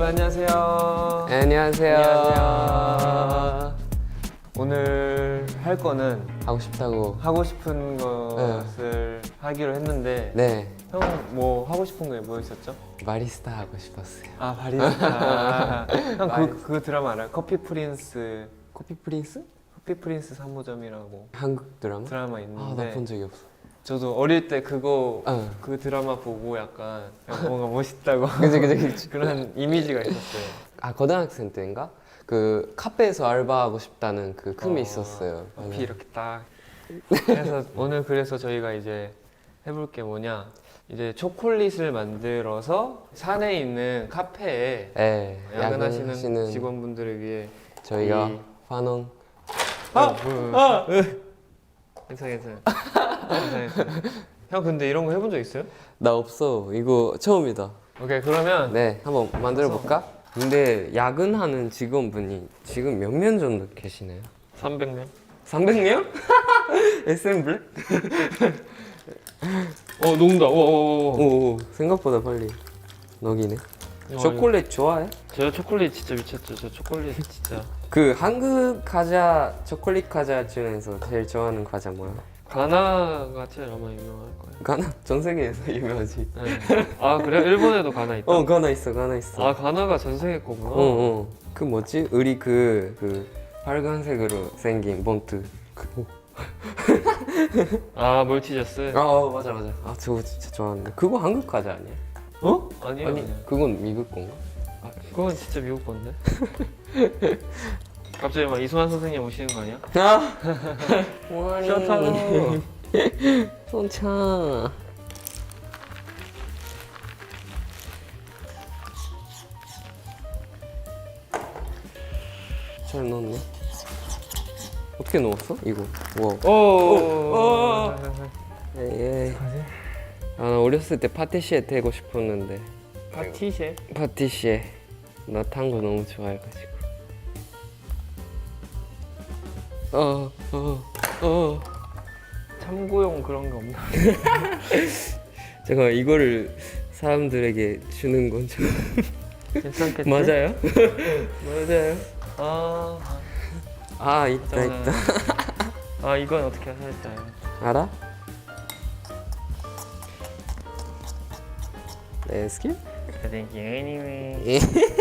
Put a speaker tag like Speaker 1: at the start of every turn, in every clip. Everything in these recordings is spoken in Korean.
Speaker 1: 여러분 안녕하세요.
Speaker 2: 안녕하세요.
Speaker 1: 안녕하세요. 오늘 할 거는
Speaker 2: 하고 싶다고.
Speaker 1: 하고 싶은 것을 하기로 했는데
Speaker 2: 네.
Speaker 1: 형 뭐 하고 싶은 게 뭐 있었죠?
Speaker 2: 바리스타 하고 싶었어요.
Speaker 1: 아 바리스타. 형
Speaker 2: 바리스타.
Speaker 1: 그 드라마 알아요? 커피 프린스.
Speaker 2: 커피 프린스?
Speaker 1: 커피 프린스 3호점이라고
Speaker 2: 한국 드라마?
Speaker 1: 드라마
Speaker 2: 아,
Speaker 1: 있는데
Speaker 2: 나 본 적이 없어.
Speaker 1: 저도 어릴 때 그거
Speaker 2: 어.
Speaker 1: 그 드라마 보고 약간 뭔가 멋있다고
Speaker 2: 그치.
Speaker 1: 그런 이미지가 있었어요.
Speaker 2: 아, 고등학생 때인가? 그 카페에서 알바하고 싶다는 그 꿈이 있었어요.
Speaker 1: 앞이 이렇게 딱. 그래서 오늘 그래서 저희가 이제 해볼 게 뭐냐? 이제 초콜릿을 만들어서 산에 있는 카페에
Speaker 2: 네,
Speaker 1: 야근하시는 직원분들을 위해
Speaker 2: 저희가
Speaker 1: 이-
Speaker 2: 환원.
Speaker 1: 괜찮아. 형 근데 이런 거 해본 적 있어요?
Speaker 2: 나 없어. 이거 처음이다.
Speaker 1: 오케이 그러면
Speaker 2: 네, 한번 만들어 볼까? 근데 야근하는 직원분이 지금 몇 명 정도 계시나요?
Speaker 1: 300명.
Speaker 2: 300명? SM 블랙?
Speaker 1: 녹는다.
Speaker 2: 오, 생각보다 빨리 녹이네. 초콜릿 좋아해?
Speaker 1: 저 초콜릿 진짜 미쳤죠. 저 초콜릿 진짜.
Speaker 2: 그 한국 과자, 초콜릿 과자 중에서 제일 좋아하는 과자 뭐야?
Speaker 1: 가나가 제일 아마 유명할 거예요.
Speaker 2: 가나? 전 세계에서 유명하지.
Speaker 1: 네. 아 그래? 일본에도 가나 있다.
Speaker 2: 가나 있어.
Speaker 1: 아 가나가 전 세계 거구나.
Speaker 2: 그 뭐지? 우리 그 빨간색으로 생긴 봉투.
Speaker 1: 아 몰티저스.
Speaker 2: 맞아. 아, 저거 진짜 좋아하는데. 그거 한국 과자 아니야?
Speaker 1: 아니요.
Speaker 2: 아니, 그건 미국 건가?
Speaker 1: 아, 그건 진짜 미국 건데. 갑자기 막 이수만 선생님 오시는 거 아니야?
Speaker 2: 셔타로. 손차. 잘 넣었네. 어떻게 넣었어? 이거. 와.
Speaker 1: 오.
Speaker 2: 에이. 아, 나 어렸을 때 파티시에 되고 싶었는데.
Speaker 1: 파티쉐?
Speaker 2: 파티시에. 나 탄 거 너무 좋아해가지고.
Speaker 1: 참고용 그런 거 없나?
Speaker 2: 제가 이거를 사람들에게 주는 건 좀.
Speaker 1: 괜찮겠지?
Speaker 2: 맞아요?
Speaker 1: 아,
Speaker 2: 있다.
Speaker 1: 아 이건 어떻게 하실까요?
Speaker 2: 알아? 레스큐?
Speaker 1: Thank you anyway.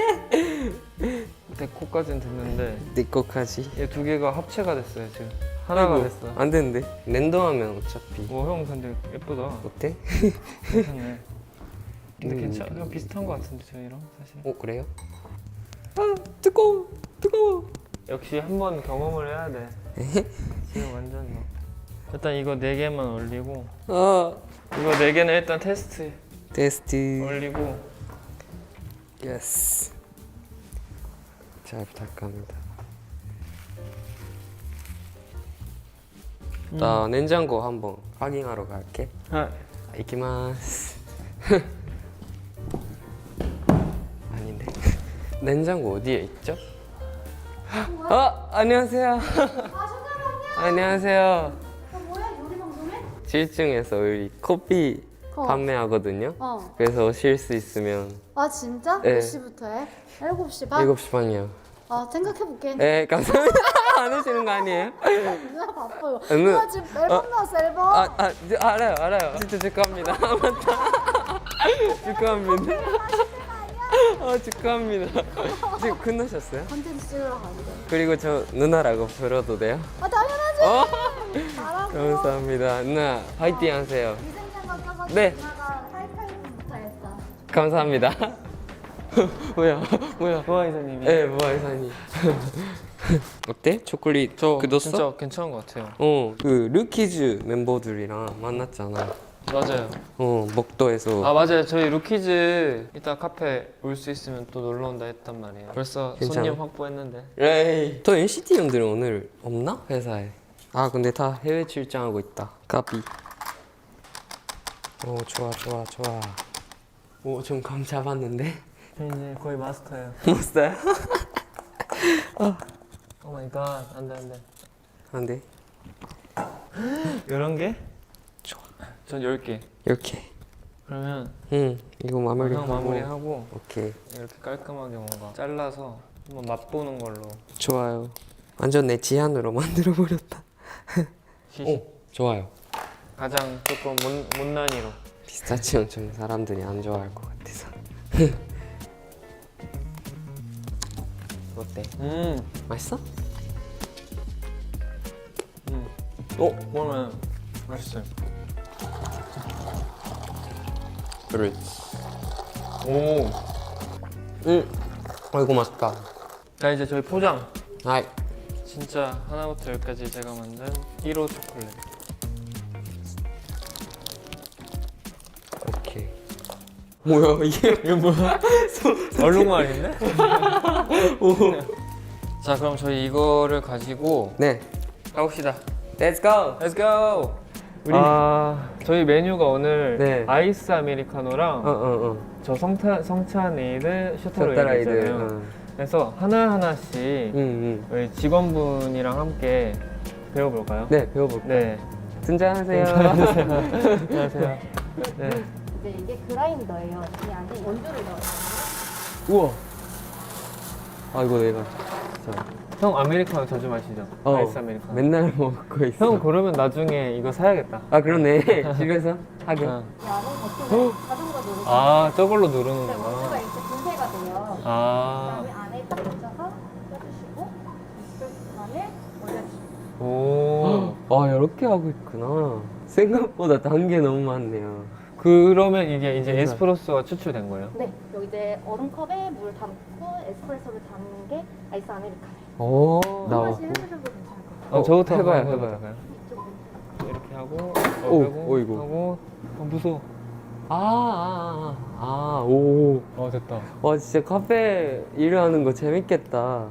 Speaker 1: 데코까지는 됐는데
Speaker 2: 네 거까지.
Speaker 1: 얘 두 개가 합체가 됐어요 지금. 하나가 됐어.
Speaker 2: 안 되는데. 랜덤하면 어차피.
Speaker 1: 형 근데 예쁘다.
Speaker 2: 어때?
Speaker 1: 괜찮네. 근데 괜찮아. 비슷한 거 같은데 저희랑 사실.
Speaker 2: 그래요? 아, 뜨거워.
Speaker 1: 역시 한번 경험을 해야 돼. 지금 완전 뭐. 일단 이거 4개만 올리고 이거 4개는 일단 테스트 올리고
Speaker 2: 예스. 잘 부탁합니다. 나 냉장고 한번 확인하러 갈게. 이키마스. 아닌데. 냉장고 어디에 있죠? 안녕하세요. 안녕하세요.
Speaker 3: 뭐야 요리 방송에?
Speaker 2: 7층에서 우리 커피 판매하거든요. 그래서 오실 수 있으면.
Speaker 3: 아 진짜?
Speaker 2: 네.
Speaker 3: 몇 시부터 해? 7시 반?
Speaker 2: 7시 반이요.
Speaker 3: 생각해볼게.
Speaker 2: 네, 감사합니다. 안 오시는 거 아니에요?
Speaker 3: 누나 바빠요.
Speaker 2: 누나-
Speaker 3: 누나 지금 앨범 나왔어 앨범.
Speaker 2: 알아요. 진짜 축하합니다. 맞다. 축하합니다. 축하합니다. 지금 끝나셨어요?
Speaker 3: 컨텐츠 찍으러 가는데.
Speaker 2: 그리고 저 누나라고 불러도 돼요?
Speaker 3: 당연하지. 잘하고.
Speaker 2: 감사합니다. 누나, 파이팅 하세요.
Speaker 3: 위생장 가까워서
Speaker 2: 네.
Speaker 3: 누나가 하이파이브부터 했어.
Speaker 2: 감사합니다. 뭐야?
Speaker 1: 보아 이사님이.
Speaker 2: 네, 모아이사님. 어때? 초콜릿 굳었어?
Speaker 1: 진짜 괜찮은 것 같아요.
Speaker 2: 그 루키즈 멤버들이랑 만났잖아.
Speaker 1: 맞아요.
Speaker 2: 목도에서.
Speaker 1: 맞아요. 저희 루키즈 이따 카페 올 수 있으면 또 놀러 온다 했단 말이에요. 벌써
Speaker 2: 괜찮아?
Speaker 1: 손님 확보했는데.
Speaker 2: 에이. 또 NCT 형들은 오늘 없나? 회사에. 근데 다 해외 출장하고 있다. 까비. 좋아. 좀 감 잡았는데?
Speaker 1: 저 이제 거의 마스터예요.
Speaker 2: 못어요?
Speaker 1: 오 마이 갓. 안돼.
Speaker 2: 안 돼.
Speaker 1: 이런 게?
Speaker 2: 좋아.
Speaker 1: 전 10개.
Speaker 2: 이렇게.
Speaker 1: 그러면
Speaker 2: 이거
Speaker 1: 형
Speaker 2: 마무리하고.
Speaker 1: 마무리하고
Speaker 2: 오케이.
Speaker 1: 이렇게 깔끔하게 뭔가 잘라서 한번 맛보는 걸로.
Speaker 2: 좋아요. 완전 내 지안으로 만들어 버렸다.
Speaker 1: 시식.
Speaker 2: 좋아요.
Speaker 1: 가장 조금 못난이로.
Speaker 2: 피스타치오 좀 사람들이 안 좋아할 것 같아서. 어때? 맛있어?
Speaker 1: 그러면 맛있어요.
Speaker 2: 그래.
Speaker 1: 오.
Speaker 2: 아이고 맛있다.
Speaker 1: 자 이제 저희 포장.
Speaker 2: 아이.
Speaker 1: 진짜 하나부터 열까지 제가 만든 1호 초콜릿.
Speaker 2: 오케이. 뭐야 이게?
Speaker 1: 이거 뭐야? 얼룩말인데? 자 그럼 저희 이거를 가지고
Speaker 2: 네.
Speaker 1: 가봅시다.
Speaker 2: Let's go.
Speaker 1: Let's go. 저희 메뉴가 오늘
Speaker 2: 네.
Speaker 1: 아이스 아메리카노랑 저 성찬 에이드 셔터레이드잖아요. 그래서 하나하나씩 우리 직원분이랑 함께 배워볼까요?
Speaker 2: 네 배워볼게요.
Speaker 1: 네.
Speaker 2: 등장하세요.
Speaker 1: 안녕하세요. 네.
Speaker 3: 이제 이게 그라인더예요. 이 안에 원두를 넣어요.
Speaker 1: 우와.
Speaker 2: 아 이거 내가
Speaker 1: 형 아메리카노 자주 마시죠? 아이스 아메리카노.
Speaker 2: 맨날 먹고 있어.
Speaker 1: 형 그러면 나중에 이거 사야겠다.
Speaker 2: 아 그러네. 집에서 하게.
Speaker 3: 이 안에 버튼을 자동으로 누르고
Speaker 1: 아 저걸로
Speaker 3: 원두가
Speaker 1: 누르는구나.
Speaker 3: 이렇게 분쇄가 돼요.
Speaker 1: 아.
Speaker 3: 그다음에 안에 딱 넣어서 껴주시고 그 안에 올려주시고.
Speaker 1: 오.
Speaker 2: 아 이렇게 하고 있구나. 생각보다 단계 너무 많네요.
Speaker 1: 그러면 이게 이제 에스프레소가 추출된 거예요?
Speaker 3: 네, 여기 이제 얼음컵에 물 담고 에스프레소를 담는 게 아이스 아메리카노.
Speaker 2: 오
Speaker 3: 한
Speaker 2: 나왔고.
Speaker 3: 번씩 해보셔도 괜찮을 것 같아요.
Speaker 1: 저부터
Speaker 2: 해봐요,
Speaker 1: 한번
Speaker 2: 해봐요.
Speaker 1: 해볼까요?
Speaker 3: 이쪽으로.
Speaker 1: 이렇게 하고
Speaker 2: 오,
Speaker 1: 빼고
Speaker 2: 어이구.
Speaker 1: 하고 무서워.
Speaker 2: 오.
Speaker 1: 됐다.
Speaker 2: 와 진짜 카페 일하는 거 재밌겠다.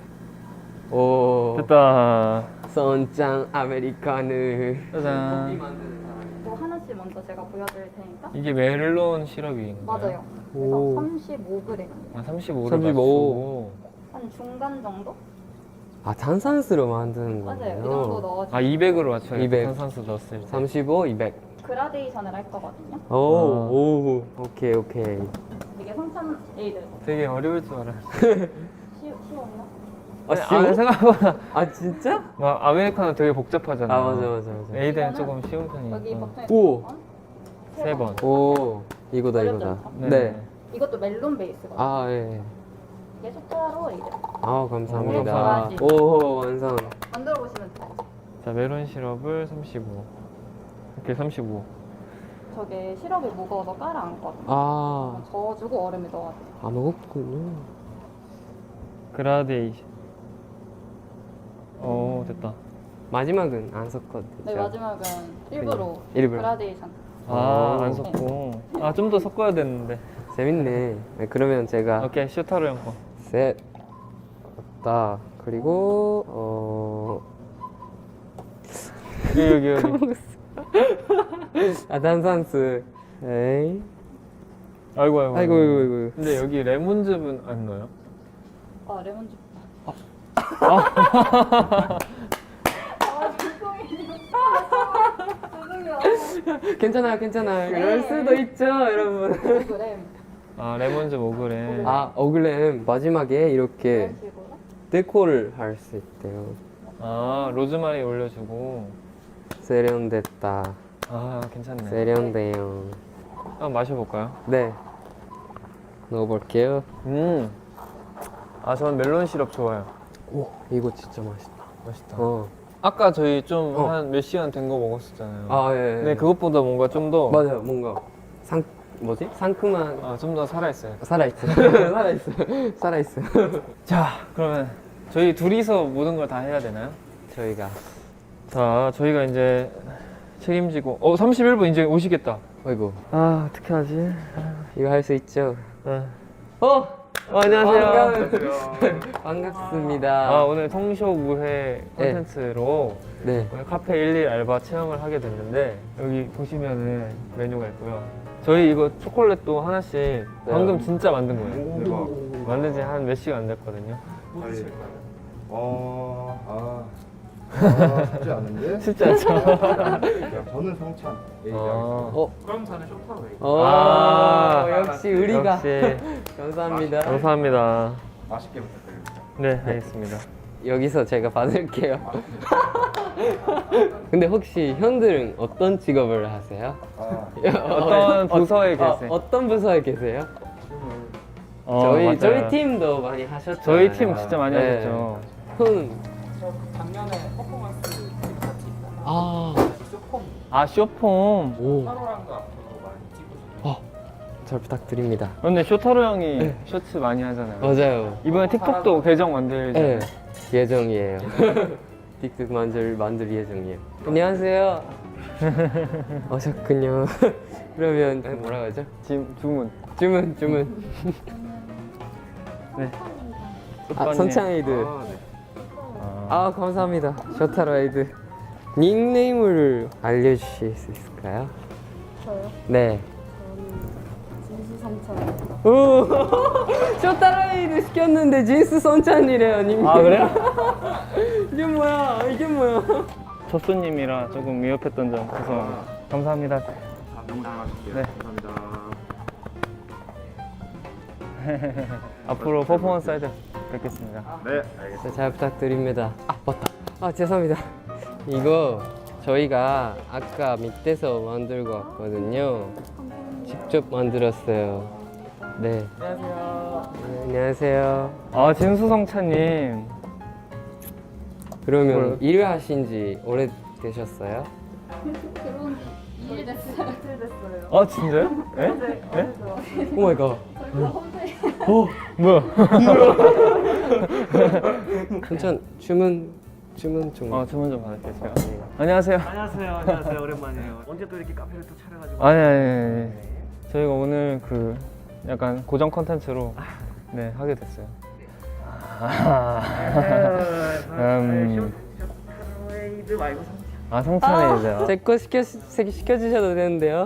Speaker 2: 오.
Speaker 1: 됐다.
Speaker 2: 선짱 아메리카노.
Speaker 1: 짜잔.
Speaker 3: 뭐 하나씩 먼저 제가 보여드릴 테니까.
Speaker 1: 이게 멜론 시럽인가요?
Speaker 3: 맞아요.
Speaker 2: 오.
Speaker 3: 그래서 35g.
Speaker 1: 아 35를
Speaker 2: 35.
Speaker 3: 한 중간 정도?
Speaker 2: 아 탄산수로 만드는
Speaker 3: 맞아요. 이
Speaker 2: 거예요.
Speaker 3: 정도 넣어주고
Speaker 1: 아 200으로 맞춰요.
Speaker 2: 200.
Speaker 1: 탄산수 넣었을 때.
Speaker 2: 35, 200.
Speaker 3: 그라데이션을 할 거거든요.
Speaker 2: 오. 오케이.
Speaker 3: 이게 성찬 에이드.
Speaker 1: 되게 어려울 줄 알아.
Speaker 3: 쉬웠나?
Speaker 2: 쉬워?
Speaker 1: 생각보다
Speaker 2: 아 진짜?
Speaker 1: 막 아메리카노 되게 복잡하잖아.
Speaker 2: 아 맞아.
Speaker 1: 에이드는 조금 쉬운
Speaker 3: 여기
Speaker 1: 편이니까.
Speaker 3: 버튼에
Speaker 2: 오.
Speaker 1: 세 번.
Speaker 2: 오. 이거다. 네.
Speaker 3: 이것도 멜론 베이스거든요.
Speaker 2: 아 예.
Speaker 3: 이게 숫자로 이제
Speaker 2: 아 감사합니다.
Speaker 3: 오,
Speaker 2: 오 완성.
Speaker 3: 만들어 보시면 돼요.
Speaker 1: 자 멜론 시럽을 35. 이렇게 35.
Speaker 3: 저게 시럽이 무거워서 깔아앉거든요.
Speaker 2: 아.
Speaker 3: 저어주고 얼음을 넣어야 돼요.
Speaker 2: 안 먹었군요.
Speaker 1: 그라데이션. 오 됐다.
Speaker 2: 마지막은 안 섞어도
Speaker 3: 네,
Speaker 2: 되죠?
Speaker 3: 마지막은 일부러
Speaker 2: 일부러.
Speaker 3: 그라데이션.
Speaker 1: 안 섞고. 좀 더 섞어야 됐는데.
Speaker 2: 재밌네. 네, 그러면 제가
Speaker 1: 오케이 슈타로 형 거.
Speaker 2: 셋 왔다. 그리고
Speaker 1: 여기.
Speaker 2: 아 탄산수. 에이.
Speaker 1: 아이고.
Speaker 2: 아이고.
Speaker 1: 근데 여기 레몬즙은 안 넣어요?
Speaker 3: 아, 레몬즙. 죄송해요.
Speaker 2: 괜찮아요.
Speaker 3: 네.
Speaker 2: 그럴 수도 있죠, 여러분.
Speaker 3: 5g.
Speaker 1: 아 레몬즙 5g.
Speaker 2: 아 어글램 마지막에 이렇게
Speaker 3: 이런 식으로.
Speaker 2: 데코를 할 수 있대요.
Speaker 1: 아 로즈마리 올려주고.
Speaker 2: 세련됐다.
Speaker 1: 괜찮네.
Speaker 2: 세련돼요.
Speaker 1: 한번 마셔볼까요?
Speaker 2: 네. 넣어볼게요.
Speaker 1: 저는 멜론 시럽 좋아요.
Speaker 2: 오, 이거 진짜 맛있다.
Speaker 1: 맛있다.
Speaker 2: 아까
Speaker 1: 저희 좀 한 몇 시간 된 거 먹었었잖아요.
Speaker 2: 예.
Speaker 1: 근데 그것보다 뭔가 좀 더
Speaker 2: 맞아요. 뭔가 상큼한
Speaker 1: 좀 더 살아있어요.
Speaker 2: 살아있어. 살아있어.
Speaker 1: 자, 그러면 저희 둘이서 모든 걸 다 해야 되나요?
Speaker 2: 저희가
Speaker 1: 저희가 이제 책임지고 31분 이제 오시겠다.
Speaker 2: 어이구
Speaker 1: 어떻게 하지?
Speaker 2: 이거 할 수 있죠?
Speaker 1: 안녕하세요.
Speaker 2: 반갑습니다.
Speaker 1: 오늘 통쇼무회 콘텐츠로
Speaker 2: 네.
Speaker 1: 오늘 카페 11 알바 체험을 하게 됐는데 여기 보시면은 메뉴가 있고요. 저희 이거 초콜릿도 하나씩 방금 진짜 만든 거예요.
Speaker 4: 대박.
Speaker 1: 만든 지 한 몇 시간 안 됐거든요.
Speaker 4: 빨리. 쉽지 않은데?
Speaker 1: 쉽지 않죠?
Speaker 4: 야, 저는 성찬.
Speaker 5: 그럼 저는 쇼타로 얘기.
Speaker 2: 역시 우리가.
Speaker 1: 역시
Speaker 2: 감사합니다.
Speaker 1: 감사합니다.
Speaker 4: 맛있게 부탁드립니다.
Speaker 1: 네, 알겠습니다.
Speaker 2: 여기서 제가 받을게요. 근데 혹시 형들은 어떤 직업을 하세요?
Speaker 1: 어떤 부서에 계세요?
Speaker 2: 어떤 부서에 계세요?
Speaker 1: 맞아요.
Speaker 2: 저희 팀도 많이 하셨죠.
Speaker 1: 저희 팀 진짜 많이 하셨죠.
Speaker 2: 형.
Speaker 5: 저 작년에 퍼포먼스 같이 있다가
Speaker 2: 아,
Speaker 1: 쇼폼.
Speaker 2: 오.
Speaker 5: 타로랑도 앞으로 많이 찍으시고.
Speaker 2: 잘 부탁드립니다.
Speaker 1: 근데 쇼타로 형이 쇼츠 많이 하잖아요.
Speaker 2: 맞아요.
Speaker 1: 이번에 틱톡도 계정 만들잖아요.
Speaker 2: 네, 예정이에요. 틱톡 만들 예정이에요. 안녕하세요. 오셨군요. 그러면 뭐라고 하죠?
Speaker 1: 주문.
Speaker 2: 주문.
Speaker 1: 네.
Speaker 2: 선창에이드. 감사합니다. 쇼타로에이드. 닉네임을 알려주실 수 있을까요?
Speaker 3: 저요?
Speaker 2: 네.
Speaker 3: 진수성찬.
Speaker 2: 오, 쇼타로에이드 시켰는데 진스 선찬이래요, 닉네임.
Speaker 1: 아, 그래요?
Speaker 2: 이게 뭐야?
Speaker 1: 첫 손님이라 조금 위협했던 점 죄송합니다. 감사합니다.
Speaker 4: 너무 잘 마실게요.
Speaker 1: 네.
Speaker 4: 감사합니다.
Speaker 1: 앞으로 퍼포먼스 할 때 뵙겠습니다.
Speaker 4: 네, 알겠습니다.
Speaker 2: 네, 잘 부탁드립니다. 맞다. 죄송합니다. 이거 저희가 아까 밑에서 만들고 왔거든요. 직접 만들었어요. 네. 안녕하세요. 네, 안녕하세요.
Speaker 1: 진수성찬님.
Speaker 2: 그러면 일을 하신 지 오래되셨어요?
Speaker 3: 결혼 2일 됐어요.
Speaker 1: 진짜요? 네? 네?
Speaker 2: 오 마이 갓.
Speaker 1: 뭐야?
Speaker 2: 천천 주문 좀.
Speaker 1: 주문 좀 받을게요, 제가. 안녕하세요.
Speaker 5: 안녕하세요. 오랜만이에요. 언제 또 이렇게 카페를 또 차려가지고.
Speaker 1: 아니. 저희가 오늘 그 약간 고정 컨텐츠로 네, 하게 됐어요.
Speaker 5: 쇼타로에이드 말고 성찬.
Speaker 1: 성찬이죠.
Speaker 2: 제 거 시켜주셔도 되는데요.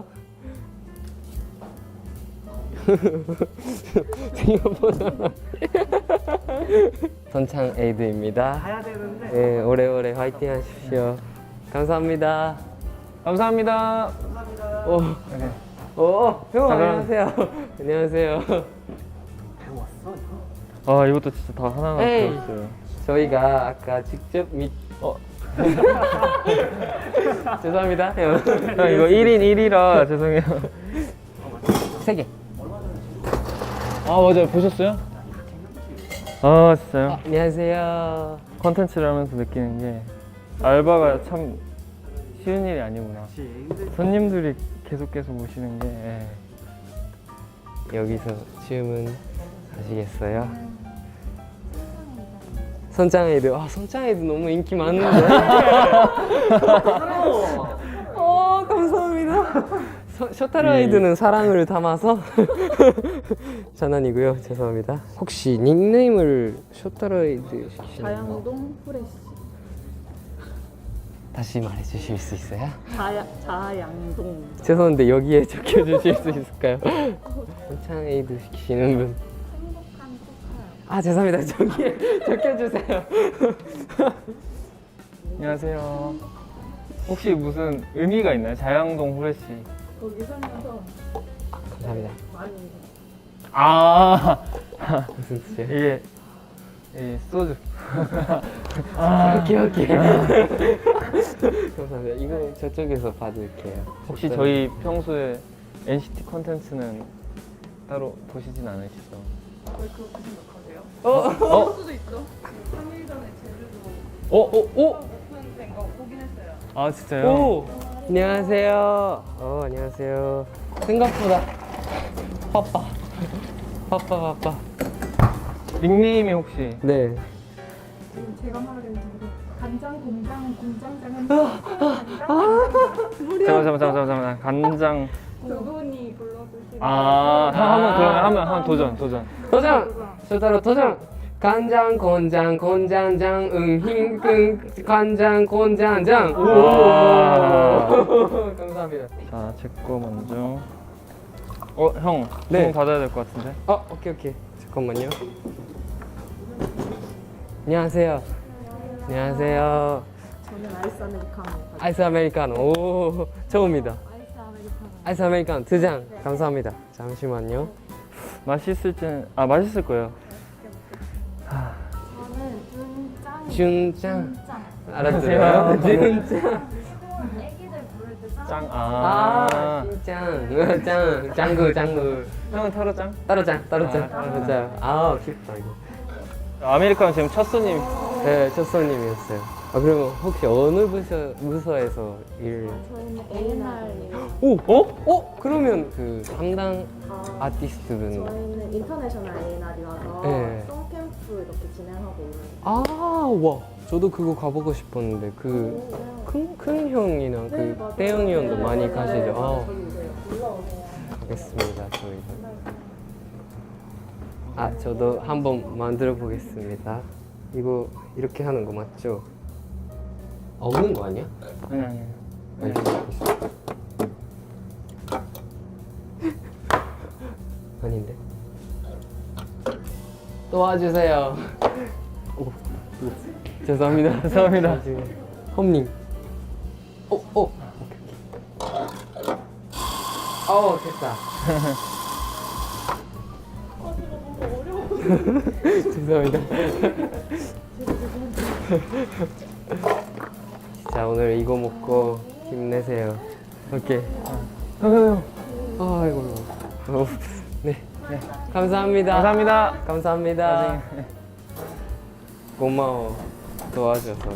Speaker 2: 생각보다 선창 에이드입니다.
Speaker 5: 가야 되는데.
Speaker 2: 네, 오래오래 화이팅 하십시오. 감사합니다.
Speaker 1: 감사합니다.
Speaker 2: 형
Speaker 1: 잠깐.
Speaker 2: 안녕하세요. 안녕하세요.
Speaker 1: 이것도 진짜 다 하나하나
Speaker 2: 에이.
Speaker 1: 배웠어요.
Speaker 2: 저희가 아까 직접 죄송합니다. 형.
Speaker 1: 형, 이거 1인 1이라 죄송해요.
Speaker 2: 3개.
Speaker 1: 맞아요. 보셨어요? 진짜요?
Speaker 2: 안녕하세요.
Speaker 1: 컨텐츠를 하면서 느끼는 게 알바가 참 쉬운 일이 아니구나. 손님들이 계속 오시는 게
Speaker 2: 여기서 주문 하시겠어요? 선창에이드. 선창에이드 너무 인기 많은데. 감사합니다. 쇼타로에이드는 사랑을 담아서 장난이고요. 죄송합니다. 혹시 닉네임을 쇼타로에이드 시키시나요?
Speaker 3: 자양동 후레쉬.
Speaker 2: 다시 말해주실 수 있어요?
Speaker 3: 자양동.
Speaker 2: 죄송한데 여기에 적혀주실 수 있을까요? 선창에이드 시키시는 분.
Speaker 3: 행복한 코카요.
Speaker 2: 죄송합니다. 저기에 적혀주세요.
Speaker 1: 안녕하세요. 혹시 무슨 의미가 있나요? 자양동 후레쉬.
Speaker 3: 거기 살면서
Speaker 2: 감사합니다.
Speaker 1: 많이.
Speaker 2: 무슨 뜻이에요?
Speaker 1: 이게 소주.
Speaker 2: 오케이. 감사합니다. 이거 저쪽에서 받을게요.
Speaker 1: 혹시 저희 평소에 NCT 컨텐츠는 따로 보시진 않으시죠?
Speaker 5: 왜 그렇게 생각하세요?
Speaker 3: 수도 있죠. 3일 전에 제주도
Speaker 2: 오!
Speaker 3: 오픈된 거 보긴 했어요.
Speaker 1: 진짜요?
Speaker 2: 오! 안녕하세요. 안녕하세요. 생각보다 바빠.
Speaker 1: 닉네임이 혹시?
Speaker 2: 네.
Speaker 3: 지금 제가 말하는 게 간장 공장장은
Speaker 1: 잠깐만. 간장.
Speaker 3: 두 분이 불러주시는
Speaker 1: 한번 도전.
Speaker 2: 쇼타로 도전. 간장 곤장장 응힘끙 간장 곤장장. 감사합니다.
Speaker 1: 자, 제 거 먼저. 형.
Speaker 2: 네.
Speaker 1: 주문 받아야 될 것 같은데?
Speaker 2: 오케이. 잠깐만요. 안녕하세요.
Speaker 3: 저는 저는 아이스 아메리카노.
Speaker 2: 아이스 아메리카노. 오, 처음이다.
Speaker 3: 아이스 아메리카노.
Speaker 2: 아이스 아메리카노 2잔. 감사합니다. 잠시만요.
Speaker 1: 맛있을 거예요.
Speaker 3: 저는 준짱.
Speaker 2: 준짱.
Speaker 3: 짱.
Speaker 2: 알았어요. 준짱.
Speaker 3: 애기들 부를 때 짱.
Speaker 1: 짱.
Speaker 2: 짱. 짱구.
Speaker 1: 형은 타로짱?
Speaker 2: 따로짱.
Speaker 1: 따로짱.
Speaker 2: 아, 귀엽다 이거.
Speaker 1: 아메리카노 지금 첫 손님.
Speaker 2: 네, 첫 손님이었어요. 아, 그러면 혹시 어느 부서에서 일?
Speaker 3: 저희는 A&R이에요.
Speaker 2: 오, 그러면 그 담당 아티스트분.
Speaker 3: 저희는 인터내셔널 A&R이라서
Speaker 2: 네.
Speaker 3: 송캠프 이렇게 진행하고 있는.
Speaker 2: 아, 와, 저도 그거 가보고 싶었는데 그 큰 형이랑
Speaker 3: 네,
Speaker 2: 그
Speaker 3: 맞아요.
Speaker 2: 태영이 형도
Speaker 3: 네,
Speaker 2: 많이
Speaker 3: 네,
Speaker 2: 가시죠.
Speaker 3: 네,
Speaker 2: 아,
Speaker 3: 저기 오세요. 올라오세요.
Speaker 2: 가겠습니다, 저희도. 아, 저도 한번 만들어 보겠습니다. 이거 이렇게 하는 거 맞죠? 없는 거 아니야?
Speaker 1: 아니.
Speaker 2: 아니, 아닌데? 도와주세요. 오, 죄송합니다.
Speaker 1: 죄송합니다.
Speaker 2: 홈님. 오케이. 됐다. 죄송합니다. 자, 오늘 이거 먹고 힘내세요. 오케이. 아이고. 네. 감사합니다. 감사합니다. 고마워. 도와줘서.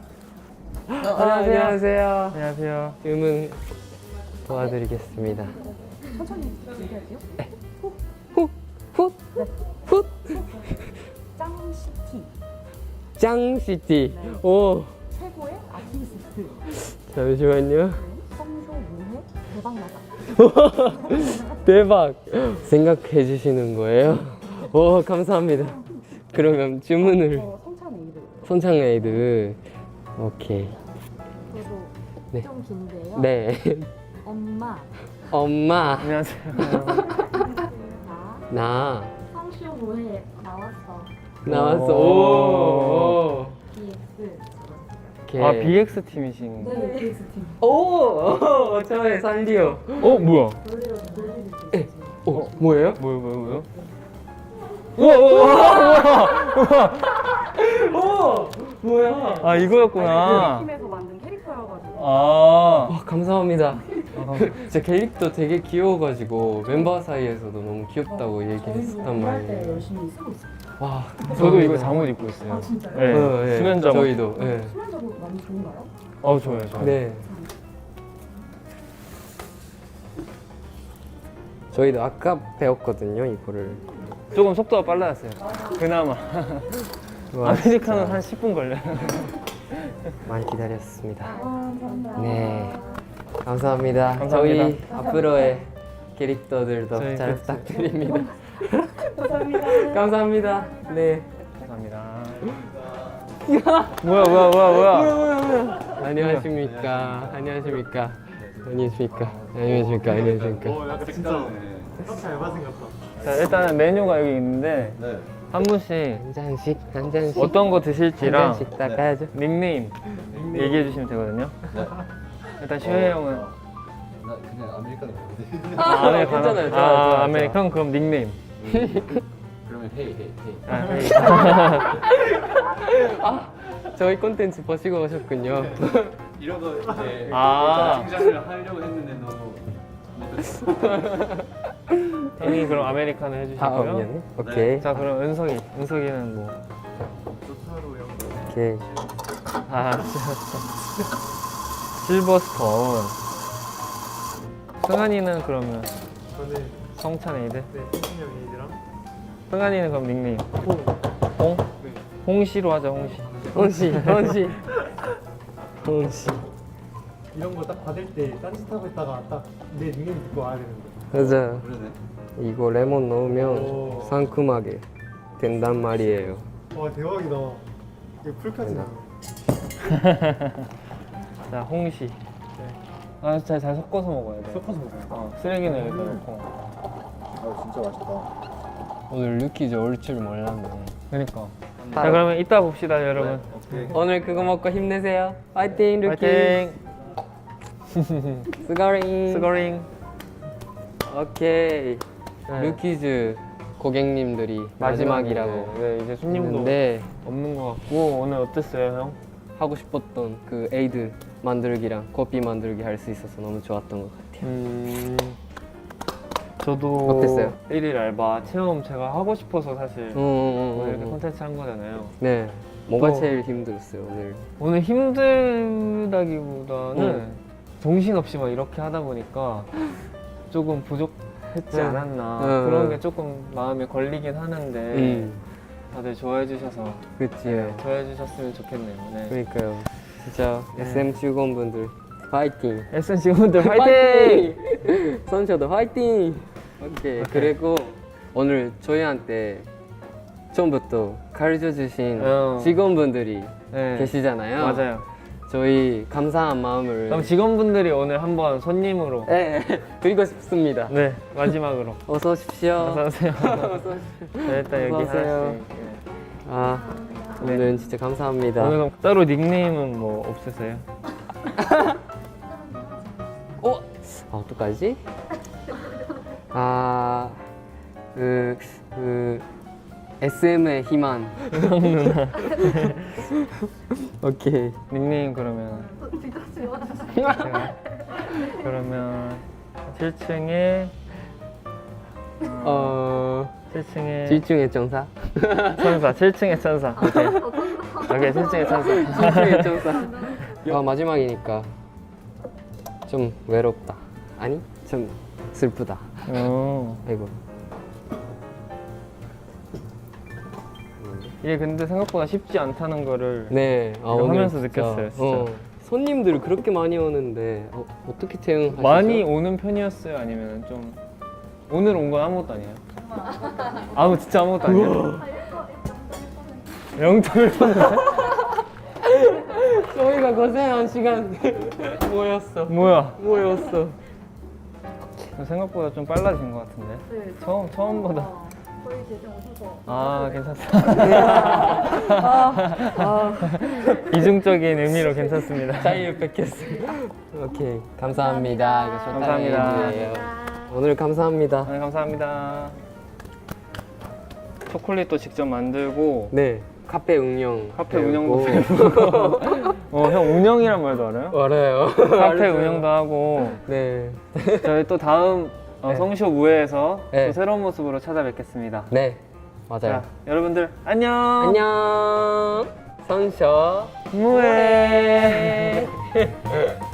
Speaker 2: 안녕하세요.
Speaker 1: 안녕하세요.
Speaker 2: 주문 도와드리겠습니다.
Speaker 3: 천천히 얘기할게요.
Speaker 2: 훗.
Speaker 3: 짱시티.
Speaker 2: 짱시티. 오.
Speaker 3: 최고의 아티스트.
Speaker 2: 잠시만요.
Speaker 3: 성쇼 무해 대박나다.
Speaker 2: 대박. 생각해 주시는 거예요? 오, 감사합니다. 그러면 주문을
Speaker 3: 성찬 에이드.
Speaker 2: 손창 에이드. 오케이.
Speaker 3: 그리고
Speaker 2: 네.
Speaker 3: 좀 긴데요.
Speaker 2: 네.
Speaker 3: 엄마.
Speaker 1: 안녕하세요.
Speaker 2: 나
Speaker 3: 성쇼 무해 나왔어.
Speaker 2: 오.
Speaker 3: BX.
Speaker 2: 오케이.
Speaker 1: 아, BX 팀이신.
Speaker 3: 네, BX 팀.
Speaker 2: 오, 저의 산리오.
Speaker 1: 뭐야?
Speaker 2: 뭐예요?
Speaker 1: 뭐요?
Speaker 2: 뭐야?
Speaker 1: 아, 이거였구나.
Speaker 3: 팀에서 만든 캐릭터여가지고.
Speaker 1: 아.
Speaker 2: 감사합니다. 제 캐릭터 되게 귀여워가지고 멤버 사이에서도 너무 귀엽다고 얘기했었단 말이에요.
Speaker 3: 열심히 쓰고 있어요.
Speaker 2: 와,
Speaker 1: 저도 이거 잠옷 입고 있어요.
Speaker 3: 진짜요?
Speaker 1: 네. 수면 잠옷.
Speaker 2: 저희도. 네.
Speaker 3: 수면자도 많이 좋은가요?
Speaker 1: 좋아요.
Speaker 2: 네. 저희도 아까 배웠거든요, 이거를.
Speaker 1: 조금 속도가 빨라졌어요. 그나마.
Speaker 2: 와,
Speaker 1: 아메리카노
Speaker 2: 진짜
Speaker 1: 한 10분 걸려요.
Speaker 2: 많이 기다렸습니다.
Speaker 3: 감사합니다.
Speaker 2: 네. 감사합니다.
Speaker 1: 감사합니다.
Speaker 2: 저희 앞으로의 캐릭터들도
Speaker 1: 저희
Speaker 2: 잘
Speaker 1: 캐릭터.
Speaker 2: 부탁드립니다.
Speaker 3: 감사합니다.
Speaker 2: 감사합니다. 네.
Speaker 1: 감사합니다. 뭐야.
Speaker 2: 안녕하십니까. 안녕하십니까.
Speaker 1: 자, 일단은 메뉴가 여기 있는데 한 분씩
Speaker 2: 한 잔씩.
Speaker 1: 어떤 거
Speaker 2: 한
Speaker 1: 드실지랑
Speaker 2: 잔씩 닦아야죠.
Speaker 1: 닉네임 얘기해 주시면 되거든요. 일단 슈혜 형은
Speaker 4: 나 그냥 아메리카노 먹는데.
Speaker 1: 아메리카노.
Speaker 2: 괜찮아요. 좋아요.
Speaker 1: 아메리카노 그럼 닉네임.
Speaker 4: 그러면 헤이.
Speaker 2: 저희 콘텐츠 보시고 오셨군요.
Speaker 4: 이런 거 이제
Speaker 1: 아.
Speaker 4: 칭찬을 하려고 했는데 너무
Speaker 1: 형이 그럼 아메리카노 해주시고요.
Speaker 2: 미안해. 오케이.
Speaker 1: 자, 그럼 은석이는 뭐?
Speaker 2: 오케이.
Speaker 1: 실버스톤. 승한이는 그러면
Speaker 6: 저는
Speaker 1: 성찬 에이드.
Speaker 6: 네, 성신형 에이드랑
Speaker 1: 승한이는 그럼 닉네임. 홍?
Speaker 6: 네.
Speaker 1: 홍시로 하자, 홍시.
Speaker 2: 홍시.
Speaker 6: 이런 거 딱 받을 때 딴짓하고 있다가 딱 내 닉네임 듣고 와야 되는데.
Speaker 2: 맞아.
Speaker 4: 그러네.
Speaker 2: 이거 레몬 넣으면
Speaker 6: 오.
Speaker 2: 상큼하게 된단 말이에요.
Speaker 6: 와 대박이다. 이거 풀 켜지네.
Speaker 1: 자, 홍시. 잘 섞어서 먹어야 돼.
Speaker 6: 섞어서 먹어요.
Speaker 1: 쓰레기는 여기다 넣고.
Speaker 4: 아 진짜 맛있다.
Speaker 2: 오늘 루키즈 올 줄 몰랐네.
Speaker 1: 그니까. 자, 그러면 이따 봅시다, 여러분.
Speaker 4: 오케이.
Speaker 2: 오늘 그거 먹고 힘내세요. 파이팅 루키.
Speaker 1: 파이팅.
Speaker 2: 스거링.
Speaker 1: 스거링.
Speaker 2: 오케이.
Speaker 1: 네.
Speaker 2: 루키즈 고객님들이 마지막이라고
Speaker 1: 네, 이제 손님도
Speaker 2: 했는데
Speaker 1: 없는 것 같고 오늘 어땠어요, 형?
Speaker 2: 하고 싶었던 그 에이드 만들기랑 커피 만들기 할 수 있어서 너무 좋았던 것 같아요.
Speaker 1: 저도
Speaker 2: 어땠어요?
Speaker 1: 1일 알바 체험 제가 하고 싶어서 사실 오늘 이렇게 콘텐츠 한 거잖아요.
Speaker 2: 네. 뭐가
Speaker 1: 또-
Speaker 2: 제일 힘들었어요 오늘?
Speaker 1: 오늘 힘들다기보다는 정신없이 막 이렇게 하다 보니까 조금 부족했지
Speaker 2: 네.
Speaker 1: 않았나 그런 게 조금 마음에 걸리긴 하는데 다들 좋아해 주셔서
Speaker 2: 그치.
Speaker 1: 좋아해 주셨으면 좋겠네요. 네.
Speaker 2: 그러니까요. 진짜
Speaker 1: 네.
Speaker 2: SM 직원분들 파이팅.
Speaker 1: SN 직원들 파이팅!
Speaker 2: 선셔도 화이팅! 오케이. 그리고 오늘 저희한테 처음부터 가르쳐 주신 직원분들이
Speaker 1: 네.
Speaker 2: 계시잖아요.
Speaker 1: 맞아요.
Speaker 2: 저희 감사한 마음을
Speaker 1: 그럼 직원분들이 오늘 한번 손님으로
Speaker 2: 네, 드리고 싶습니다.
Speaker 1: 네 마지막으로
Speaker 2: 어서 오십시오.
Speaker 1: 어서 오세요. 네, 일단 여기
Speaker 2: 어서 오세요.
Speaker 1: 하나씩. 네.
Speaker 2: 아, 오늘 진짜 감사합니다.
Speaker 1: 오늘 그럼 따로 닉네임은 뭐 없으세요?
Speaker 2: 어떡하지? SM의 희망. 오케이.
Speaker 1: 닉네임 그러면 제가 그러면 7층에 7층에
Speaker 2: 7층의 정사.
Speaker 1: 천사 7층의 천사 오케이 7층의 천사
Speaker 2: 7층의 정사. 마지막이니까 좀 외롭다. 아니, 좀 슬프다. 아이고.
Speaker 1: 이게 근데 생각보다 쉽지 않다는 거를
Speaker 2: 네,
Speaker 1: 이거
Speaker 2: 오늘
Speaker 1: 하면서
Speaker 2: 진짜,
Speaker 1: 느꼈어요, 진짜.
Speaker 2: 손님들 그렇게 많이 오는데 어떻게 대응하시죠?
Speaker 1: 많이 오는 편이었어요? 아니면 좀 오늘 온 건 아무것도 아니에요? 진짜 아무것도 아니에요? 0.1%?
Speaker 2: 저희가 고생한 시간 뭐였어?
Speaker 1: 뭐였어? 생각보다 좀 빨라진 것 같은데?
Speaker 3: 네,
Speaker 1: 처음보다
Speaker 3: 저희 대신 오셔서
Speaker 1: 괜찮습니다. 이중적인 의미로 괜찮습니다.
Speaker 2: 자유롭겠습니다. 오케이, 감사합니다. 이거 쇼타임이에요.
Speaker 1: 감사합니다.
Speaker 2: 오늘 감사합니다.
Speaker 1: 네, 감사합니다. 초콜릿도 직접 만들고
Speaker 2: 네, 카페 운영.
Speaker 1: 카페 운영도 배우고 형 운영이란 말도 알아요?
Speaker 2: 알아요.
Speaker 1: 카페 운영도 하고
Speaker 2: 네.
Speaker 1: 저희 또 다음
Speaker 2: 네.
Speaker 1: 성쇼 무회에서
Speaker 2: 네.
Speaker 1: 또 새로운 모습으로 찾아뵙겠습니다.
Speaker 2: 네, 맞아요.
Speaker 1: 자, 여러분들 안녕.
Speaker 2: 안녕. 선쇼
Speaker 1: 무회.